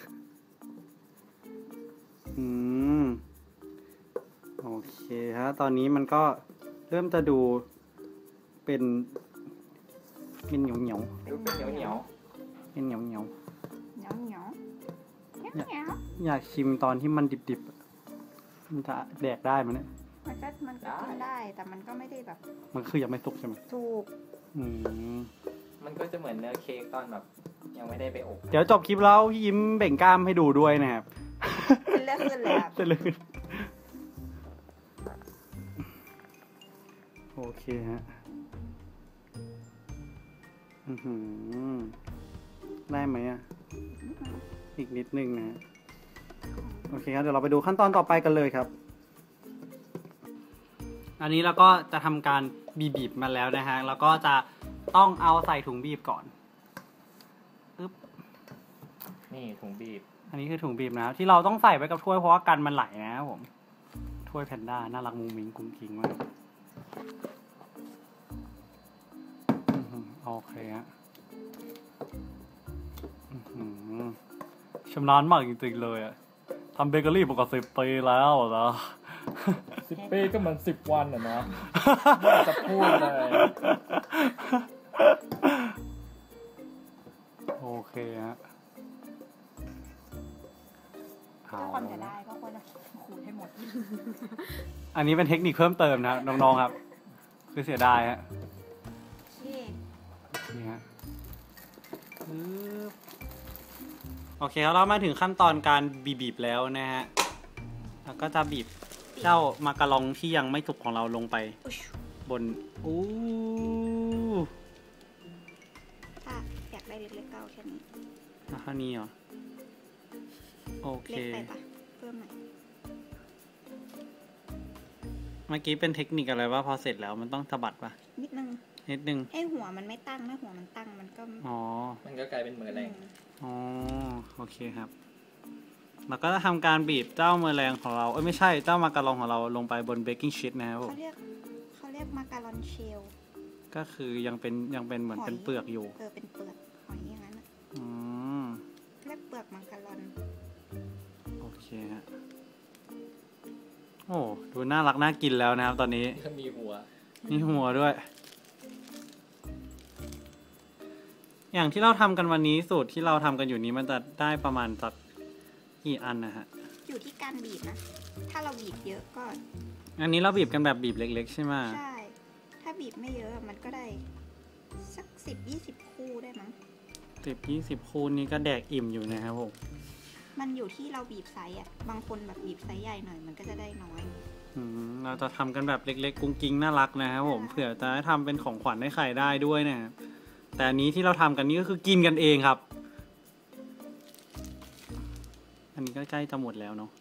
[SPEAKER 1] โอเคฮะ ตอนนี้มันก็เริ่มจะดูเป็นเหนียวเหนียว
[SPEAKER 3] ดูเป็นเหนียว
[SPEAKER 1] เป็นเหนียวเหนียว
[SPEAKER 2] เหนียวเหนียวเหนียวเหนียว
[SPEAKER 1] อยากชิมตอนที่มันดิบๆมันจะแดกได้ไหมเนี่ย
[SPEAKER 2] มันก็กินได้ แต่มันก็ไม่ได้แบบ
[SPEAKER 1] มันคือยังไม่สุกใช่ไหม
[SPEAKER 2] ถูก
[SPEAKER 3] ๆมันก็จะเหมือนเนื้อเค้กตอนแบบยังไม่ได้ไปอบ
[SPEAKER 1] เดี๋ยวจบคลิปแล้วพี่ยิ้มเบ่งกล้ามให้ดูด้วยนะครับ
[SPEAKER 2] เป็นเรื่องขึ้นเลยครับ
[SPEAKER 1] จะเลยโอเคฮะได้ไหมอ่ะ อีกนิดนึงนะ โอเคครับ เดี๋ยวเราไปดูขั้นตอนต่อไปกันเลยครับ อันนี้เราก็จะทำการบีบมาแล้วนะฮะ แล้วก็จะต้องเอาใส่ถุงบีบก่อน
[SPEAKER 3] นี่ถุงบีบ
[SPEAKER 1] อันนี้คือถุงบีบนะครับที่เราต้องใส่ไว้กับถ้วยเพราะว่ากันมันไหลนะครับผมถ้วยแพนด้าน่ารักมุ้งมิ้งกุ้งกิ้งมากโอเคฮะชำนาญมากจริงๆเลยอะทำเบเกอรี่มาก่อน10 ปีแล้วนะ
[SPEAKER 3] 10 ปีก็เหมือน10 วันอ่ะนะไม่อยากจะพูดเลย
[SPEAKER 1] โอเคฮะ
[SPEAKER 2] ถ้าคนจะได้ก็ควรจะขูดให้หมด
[SPEAKER 1] อันนี้เป็นเทคนิคเพิ่มเติมนะครับน้องๆครับ คือเสียดายฮะ นี่ฮะโอเคแล้วเรามาถึงขั้นตอนการบีบแล้วนะฮะ แล้วก็จะบีบเจ้ามาการองที่ยังไม่สุกของเราลงไปบนอู้
[SPEAKER 2] ถ้าอยากได้เล็กๆก็เอาแค่นี้
[SPEAKER 1] แล้วแค่นี้เหรอ โอเค
[SPEAKER 2] เล็กไปปะเพิ่มหน่อย
[SPEAKER 1] เมื่อกี้เป็นเทคนิคอะไรว่าพอเสร็จแล้วมันต้องสะบัดปะ
[SPEAKER 2] นิดนึง
[SPEAKER 1] นิดนึง
[SPEAKER 2] ให้หัวมันไม่ตั้งถ้าหัวมันตั้งมันก็
[SPEAKER 1] อ๋อ
[SPEAKER 3] มันก็กลายเป็นมือแรง
[SPEAKER 1] อ๋อ โอเคครับ แล้วก็ทำการบีบเจ้าเมอแรงของเรา ไม่ใช่เจ้ามาการองของเราลงไปบนเบกกิ้งชีทนะครับผม
[SPEAKER 2] เขาเรียกมาการอนเชล
[SPEAKER 1] ก็คือยังเป็นเหมือนเป็นเปลือกอยู่
[SPEAKER 2] เป็นเปลือกหอยอย่างนั้นอ่ะ
[SPEAKER 1] อืม
[SPEAKER 2] เรียกเปลือกมาการอน
[SPEAKER 1] โอเคฮะ โอ้ ดูน่ารักน่ากินแล้วนะครับตอนนี้
[SPEAKER 3] ก็มีหัว
[SPEAKER 1] มีหัวด้วย อย่างที่เราทำกันวันนี้สูตรที่เราทำกันอยู่นี้มันจะได้ประมาณสักกี่อันนะฮะ
[SPEAKER 2] อยู่ที่การบีบนะ ถ้าเราบีบเยอะก็
[SPEAKER 1] อันนี้เราบีบกันแบบบีบเล็กๆใช่ไหม
[SPEAKER 2] ใช่ ถ้าบีบไม่เยอะมันก็ได้สัก10-20 คู่ได้มั้ง
[SPEAKER 1] 10-20 คูณนี้ก็แดกอิ่มอยู่นะครับผม
[SPEAKER 2] มันอยู่ที่เราบีบไซส์อ่ะ บางคนแบบบีบไซส์ใหญ่หน่อยมันก็จะได้น้อย
[SPEAKER 1] เราจะทำกันแบบเล็กๆกุ้งกิ้งน่ารักนะครับผม เผื่อจะได้ทำเป็นของขวัญให้ใครได้ด้วยนะครับแต่อันนี้ที่เราทำกันนี้ก็คือกินกันเองครับ อันนี้ก็ใกล้จะหมดแล้วเนาะ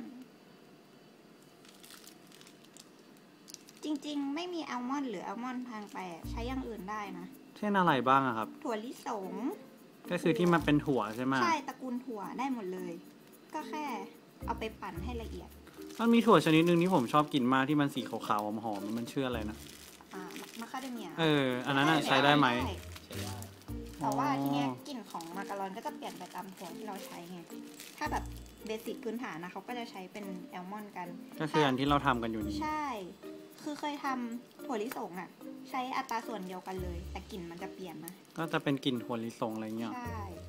[SPEAKER 2] จริงๆ ไม่มีอัลมอนด์หรืออัลมอนด์ทางไปอะใช้อย่างอื่นได้นะ
[SPEAKER 1] เช่นอะไรบ้างอะครับ
[SPEAKER 2] ถั่วลิสง
[SPEAKER 1] ก็คือที่มันเป็นถั่วใช่ไหม
[SPEAKER 2] ใช่ตระกูลถั่วได้หมดเลย ก็แค่เอาไปปั่นให้ละเอียด
[SPEAKER 1] มันมีถั่วชนิดหนึ่งที่ผมชอบกินมากที่มันสีขาวๆหอมๆมันชื่ออะไรนะ
[SPEAKER 2] มาคาเดเมีย
[SPEAKER 1] อันนั้นใช้ได้ไหม
[SPEAKER 3] ใช้ได้
[SPEAKER 2] แต่ว่าทีเนี้ยกลิ่นของมาการอนก็จะเปลี่ยนไปตามถั่วที่เราใช้ไง ถ้าแบบเบสิกพื้นฐานนะเขาก็จะใช้เป็นแอลมอนด์กัน
[SPEAKER 1] ก็คืออันที่เราทำกันอยู่นี้
[SPEAKER 2] ใช่ คือเคยทำถั่วลิสงอ่ะ ใช้อัตราส่วนเดียวกันเลย แต่กลิ่นมันจะเปลี่ยนนะ
[SPEAKER 1] ก็จะเป็นกลิ่นถั่วลิสงอะไรเงี้ย
[SPEAKER 2] ใช่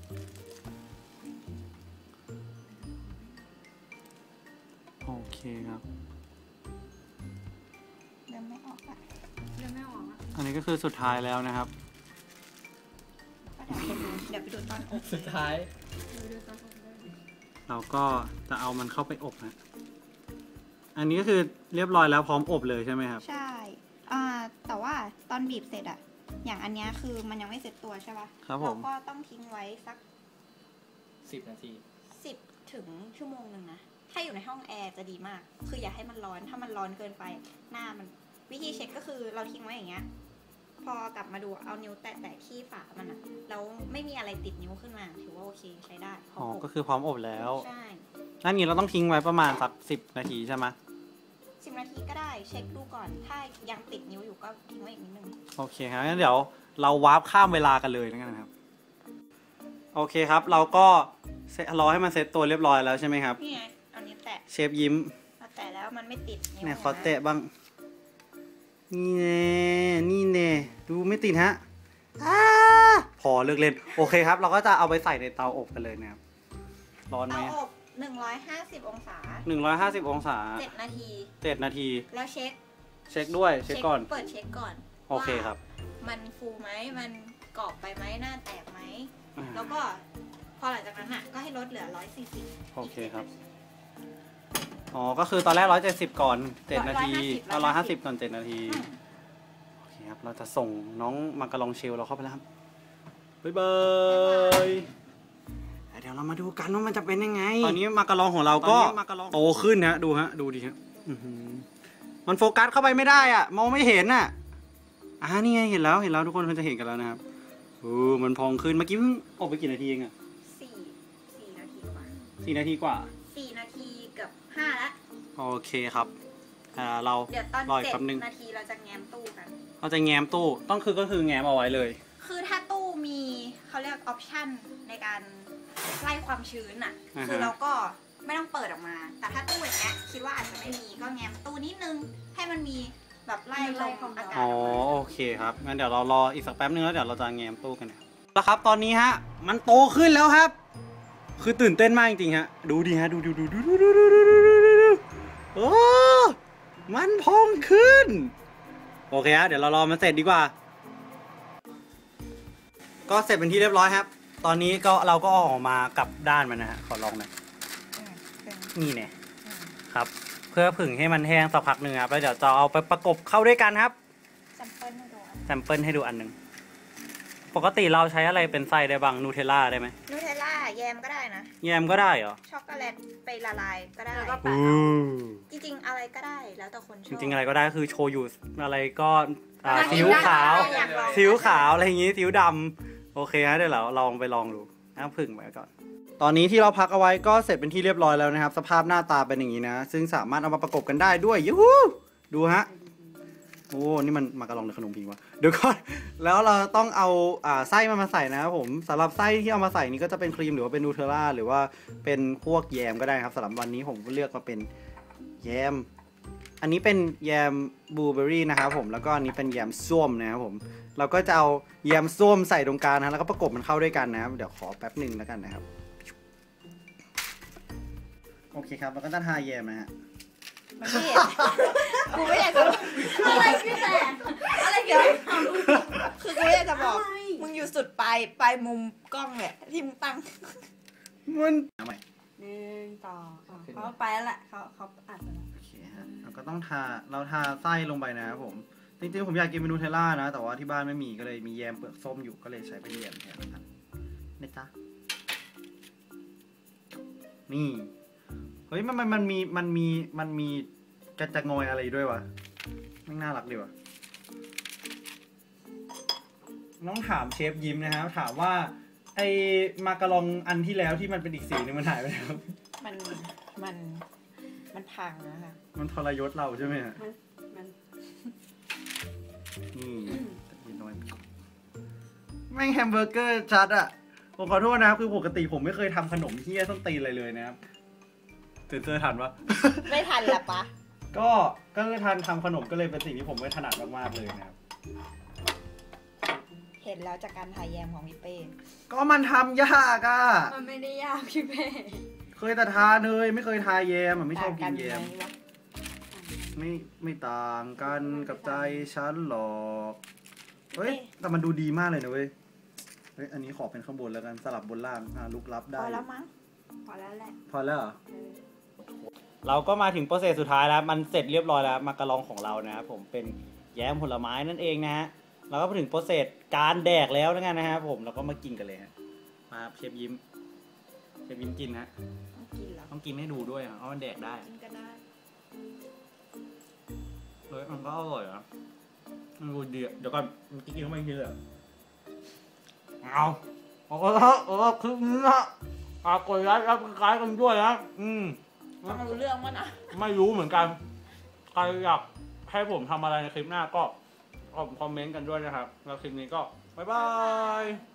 [SPEAKER 1] โอเคครับ
[SPEAKER 2] เริ่มไม่ออกอ่ะ
[SPEAKER 4] เดี๋ยวไม่ออกอ่ะ
[SPEAKER 1] อันนี้ก็คือสุดท้ายแล้วนะครับ
[SPEAKER 2] ก็เดี๋ยวไปดูตอนอบ
[SPEAKER 3] สุดท้าย
[SPEAKER 4] ดูตอนออกเลย
[SPEAKER 1] เราก็จะเอามันเข้าไปอบนะอันนี้ก็คือเรียบร้อยแล้วพร้อมอบเลยใช่ไหมครับ
[SPEAKER 2] ใช่ แต่ว่าตอนบีบเสร็จอ่ะ อย่างอันเนี้ยคือมันยังไม่เสร็จตัวใช่ปะ
[SPEAKER 1] ครับผม
[SPEAKER 2] เราก็ต้องทิ้งไว้สัก
[SPEAKER 3] 10 นาที
[SPEAKER 2] 10 ถึงชั่วโมงหนึ่งนะ ถ้าอยู่ในห้องแอร์จะดีมาก คืออย่าให้มันร้อน ถ้ามันร้อนเกินไป หน้ามัน วิธีเช็คก็คือเราทิ้งไว้อย่างเงี้ย พอกลับมาดูเอานิ้วแตะๆที่ฝามันอะแล้วไม่มีอะไรติดนิ้วขึ้นมา ถือว่าโอเคใช้ได้พ
[SPEAKER 1] อ๋อ
[SPEAKER 2] อบ
[SPEAKER 1] ก็คือพร้อมอบแล้ว
[SPEAKER 2] ใช่
[SPEAKER 1] นั่นนี้เราต้องทิ้งไว้ประมาณสัก10 นาทีใช่ไหม
[SPEAKER 2] 10 นาทีก็ได้ เช็คดูก่อน ถ้ายังติดนิ้วอยู่ก็ทิ้งไว้อีกนิดนึง
[SPEAKER 1] โอเคครับงั้นเดี๋ยวเราวาร์ปข้ามเวลากันเลยนะครับ โอเคครับ เราก็รอให้มันเซตตัวเรียบร้อยแล้วใช่ไหมครับ
[SPEAKER 2] นี่ไงเอานิ้วแตะ
[SPEAKER 1] เชฟยิ้ม
[SPEAKER 2] พอแตะแล้วมันไม่ติดนิ้ว
[SPEAKER 1] ไหนขอแตะบ้าง นี่แน่นี่แน่ดูไม่ติดฮะพอเลิกเล่น โอเคครับ เราก็จะเอาไปใส่ในเตาอบกันเลยนะครับ ร้อนไหม
[SPEAKER 2] เตาอบ150 องศา
[SPEAKER 1] 150 องศา
[SPEAKER 2] 7 นาที
[SPEAKER 1] 7 นาที
[SPEAKER 2] แล้วเช็ค
[SPEAKER 1] เช็คด้วย เช็คก่อน
[SPEAKER 2] เปิดเช็คก่อน
[SPEAKER 1] โอเคครับ
[SPEAKER 2] ว่ามันฟูไหม มันกรอบไปไหม หน้าแตกไหม
[SPEAKER 1] อ่า
[SPEAKER 2] แล้วก็พอหลังจากนั้นอ่ะ ก็ให้ลดเหลือ140
[SPEAKER 1] โอเคครับ อ๋อ ก็คือตอนแรก170ก่อน7 นาทีแล้ว150ก่อน7 นาที โอเคครับ เราจะส่งน้องมาการองเชลเราเข้าไปแล้วครับ บ๊ายบายเดี๋ยวเรามาดูกันว่ามันจะเป็นยังไง ตอนนี้มาการองของเราก็โตขึ้นนะดูฮะ ดูดิฮะมันโฟกัสเข้าไปไม่ได้อ่ะ มองไม่เห็นอ่ะนี่ไงเห็นแล้วทุกคนคงจะเห็นกันแล้วนะครับมันพองขึ้น เมื่อกี้เพิ่งอบไปกี่นาทีเองอ่ะ
[SPEAKER 2] 4 นาทีกว่า
[SPEAKER 1] 4 นาทีกว่า
[SPEAKER 2] 4 นาทีเกือบ5แล้ว
[SPEAKER 1] โอเคครับ เรา
[SPEAKER 2] เดี๋ยวตอน
[SPEAKER 1] รออีกแป๊บนึง
[SPEAKER 2] 7 นาทีเราจะแง้มตู้กัน
[SPEAKER 1] เราจะแง้มตู้ก็คือแง้มเอาไว้เลย
[SPEAKER 2] คือถ้าตู้มีเขาเรียกออปชั่นในการไล่ความชื้นอ่ะ คือเราก็ไม่ต้องเปิดออกมา แต่ถ้าตู้อย่างเงี้ยคิดว่าอาจจะไม่มีก็แง้มตู้นิดนึงให้มันมีแบบไล่ลมอากาศ
[SPEAKER 1] อ๋อโอเคครับงั้นเดี๋ยวเรารออีกสักแป๊บนึงแล้วเดี๋ยวเราจะแง้มตู้กันเนี่ยแล้วครับตอนนี้ฮะมันโตขึ้นแล้วครับ คือตื่นเต้นมากจริงๆฮะดูดิฮะดูโอ้มันพองขึ้นโอเคฮะเดี๋ยวเรารอมันเสร็จดีกว่าก็เสร็จเป็นที่เรียบร้อยครับตอนนี้ก็เราก็ออกมากลับด้านมันนะฮะขอลองหน่อยนี่เนี่ยครับเพื่อผึ่งให้มันแห้งสักพักหนึ่งครับแล้วเดี๋ยวจะเอาไปประกบเข้าด้วยกันครับแซมเปิลให้ดูอันหนึ่งปกติเราใช้อะไรเป็นไส้ได้บ้างนูเทลล่าได้ไหม
[SPEAKER 2] นูเทลล่าแยมก็ได้นะ
[SPEAKER 1] แยมก็ได้เหรอ
[SPEAKER 2] ช็อกโกแลตไปละลายก็ได้จริงๆอะไรก็ได้แล้วแต่คนชอบ
[SPEAKER 1] จริงๆอะไรก็ได้คือโชยุอะไรก็ซีอิ๊วขาวซีอิ๊วขาวอะไรอย่างงี้ซีอิ๊วดำโอเคฮะเดี๋ยวเราลองไปลองดูน้ำผึ่งไปก่อนตอนนี้ที่เราพักเอาไว้ก็เสร็จเป็นที่เรียบร้อยแล้วนะครับสภาพหน้าตาเป็นอย่างนี้นะซึ่งสามารถเอามาประกบกันได้ด้วยยูฮูดูฮะโอ้นี่มันมากระลองหรือขนมพิงวะเดี๋ยวก่อนแล้วเราต้องเอาไส้มาใส่นะครับผมสำหรับไส้ที่เอามาใส่นี้ก็จะเป็นครีมหรือว่าเป็นนูเทลล่าหรือว่าเป็นพวกแยมก็ได้ครับสำหรับวันนี้ผมเลือกมาเป็นแยมอันนี้เป็นแยมบลูเบอร์รี่นะครับผมแล้วก็อันนี้เป็นแยมส้มนะครับผมเราก็จะเอาแยมส้มใส่ตรงกลางนะแล้วก็ประกบมันเข้าด้วยกันนะครับเดี๋ยวขอแป๊บหนึ่งแล้วกันนะครับโอเคครับแล้วก็จะทาแยมนะฮะ
[SPEAKER 2] ไม่เห็นกูไม่อยากจะ
[SPEAKER 4] อะไรพี่แต่อะไรเกี่ยวกับ
[SPEAKER 2] คือกูอยากจะบอกมึงอยู่สุดปลายมุมกล้องเนี่ยที่มึงตั้ง
[SPEAKER 1] มันทำไม
[SPEAKER 4] 1 2 เขาไปแล้วแหละเขาอัดไปแล้ว
[SPEAKER 1] โอเคฮะเราก็ต้องเราทาไส้ลงไปนะครับผมจริงๆผมอยากกินเมนูเทลล่านะแต่ว่าที่บ้านไม่มีก็เลยมีแยมเปลือกส้มอยู่ก็เลยใช้เป็นแยมแทนครับนี่จ้ะนี่เฮ้ยมันมีกระจะงอยอะไรด้วยวะไม่น่ารักดีวะน้องถามเชฟยิ้มนะครับถามว่าไอมากะลองอันที่แล้วที่มันเป็นอีกสีนึงมันหายไปแล้ว
[SPEAKER 2] มันพังนะคะ
[SPEAKER 1] มันทรยศเราใช่ไหมฮะนี่กินน้อยแม่งแฮมเบอร์เกอร์ชัดอ่ะผมขอโทษนะครับคือปกติผมไม่เคยทำขนมที่ส้นตีนอะไรเลยนะครับเจอทันปะ
[SPEAKER 2] ไม่ทันละปะ
[SPEAKER 1] ก็เลยทำขนมก็เลยเป็นสิ่งที่ผมไม่ถนัดมากๆเลยนะครับ
[SPEAKER 2] เห็นแล้วจากการถ่ายแยมของพี่เป้
[SPEAKER 1] ก็มันทำยากอ่ะ
[SPEAKER 4] มันไม่ได้ยากพี่เป้
[SPEAKER 1] เคยแต่ทาเลยไม่เคยทาแยมไม่ชอบกินแยมไม่ต่างกันกับใจฉันหรอกเฮ้ยแต่มันดูดีมากเลยนะเว้ยเฮ้ยอันนี้ขอเป็นข้างบนแล้วกันสลับบนล่างลุกลับได้
[SPEAKER 2] พอแล้วมั้งพอแล้วแหละ
[SPEAKER 1] พอแล้วเหรอเราก็มาถึงโปรเซสสุดท้ายแล้วมันเสร็จเรียบร้อยแล้วมากะลองของเรานะครับผมเป็นแยมผลไม้นั่นเองนะฮะเราก็มาถึงโปรเซสการแดกแล้วนะครับผมเราก็มากินกันเลยฮะมาเชฟยิ้มกินฮะต้องกินให้ดูด้วยเพราะมันแดกได้
[SPEAKER 2] กินก็ได้
[SPEAKER 1] เฮ้ยมันก็อร่อยนะมันดูดีเดี๋ยวก่อนมันกินเข้าไปทีเลยเอาคือนี้นะกดไลค์รับคล้ายกันด้วยนะ
[SPEAKER 2] ต้องรู้เรื่องมั้ยนะ
[SPEAKER 1] ไม่รู้เหมือนกันใครอยากให้ผมทำอะไรในคลิปหน้าก็คอมเมนต์กันด้วยนะครับแล้วคลิปนี้ก็บ๊ายบาย